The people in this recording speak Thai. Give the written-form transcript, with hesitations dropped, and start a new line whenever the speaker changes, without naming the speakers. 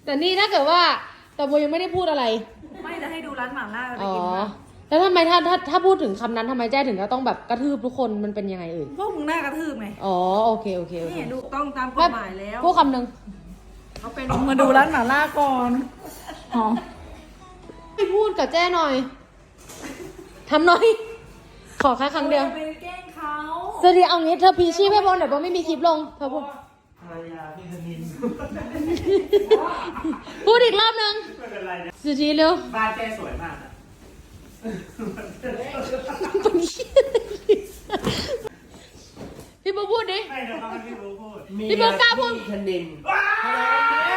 แต่นี่ถ้าเกิดว่าแต่โบยังไม่ได้พูดอะไร
ไม่จะให้ดูร้านหม่าล่าไป
อ๋อ
กินมา
แล้วทำไมถ้าพูดถึงคำนั้นทำไมแจ้ถึงจะต้องแบบกระทืบทุกคนมันเป็นยังไงเอ่ย
พวกมึงหน้ากระทืบไง
อ๋อโอเค
นี่ดูต้องตามกฎหมายแล้ว
พูดคำหนึ่ง
เขาเป็นมาดูร้านหม่าล่าก่อนหอม
ให้พูดกับแจ้หน่อยทำหน่อย ขอแค่ครั้งเดียว
ไปแกล้งเขา
สวัสดีเอางี้เธอพีชีพให้บอลเดี๋ยวบอลไม่มีคลิปลงเธอพูด
ภรรยาพี่ธนิน
พูดอีกรอบนึง
ไม่เป็นไรนะ
สุธีเร็ว
บ้านแกสวยมากอะ
พี่โบพูดดิ
ไม่เดี๋ยวเขาให้พี่รู้พูด
พี่โบกล้าพูด
ธนิน
ว้าว